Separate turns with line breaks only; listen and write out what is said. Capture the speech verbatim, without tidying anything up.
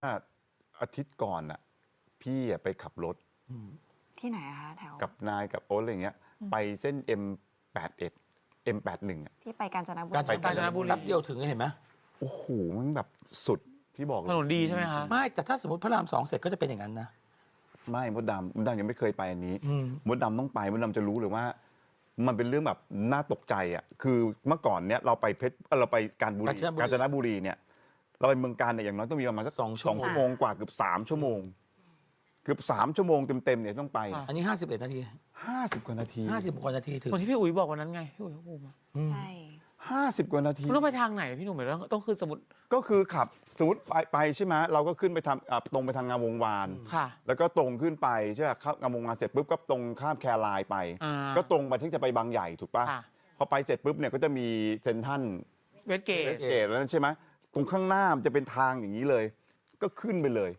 อาทิตย์ก่อนอ่ะพี่ไปขับรถ
ที่ไหนอะคะแถว
กับนายกับโอ๊ตอะไรเงี้ยไปเส้น เอ็ม แปดสิบเอ็ด เอ็ม แปดสิบเอ็ด อ่ะ
ที่ไปกาญจนบุรี
กาญจนกาญจนบุรีแป๊บเดียวถึงเห็นไหม
โอ้โหมันแบบสุดพี่บอก
ถนนดีใช่ไหมคะ
ไม่แต่ถ้าสมมติพระรามสองเสร็จก็จะเป็นอย่างนั้นนะ
ไม่มดดำมดดำยังไม่เคยไปอันนี้มดดำต้องไปมดดำจะรู้เลยว่ามันเป็นเรื่องแบบน่าตกใจอ่ะคือเมื่อก่อนเนี้ยเราไปเพชรเราไปกาญบุรีกาญจนบุรีเนี่ยเราไปเมืองการเนี่ยอย่างน้อยต้องมีประมาณสักสองชั่วโมงกว่าเกือบสามชั่วโมงเกือบสามชั่วโมงเต็มๆเนี่ยต้องไป
อันนี้ห้าสิบเอ็ดนาที
ห้าสิบกว่านาที
ห้าสิบกว่านาทีถึง
เหมือนที่พี่อุ๋ยบอกวันนั้นไงพี่อุ๋ยเขาพูดมา
ใช่
ห้าสิบกว่านาที
ต้องไปทางไหนพี่หนุ่มหมายถึงต้องคือสมมติ
ก็คือขับสมมติไปไปใช่ไหมเราก็ขึ้นไปทำตรงไปทางงามวงวาน
ค่ะแล้ว
ก็ตรงขึ้นไปใช่ไหมเข้างามวงวานเสร็จปุ๊บก็ตรงข้ามแครายไปก็ตรงไปถึงจะไปบางใหญ่ถูกป่ะพอไปเสร็จปุ๊บเนี่ยก็จะมีเซนทัน
เวสเกต
เวสเกตแล้วใช่ไหมตรงข้างหน้ามันจะเป็นทางอย่างนี้เลยก็ขึ้นไปเลย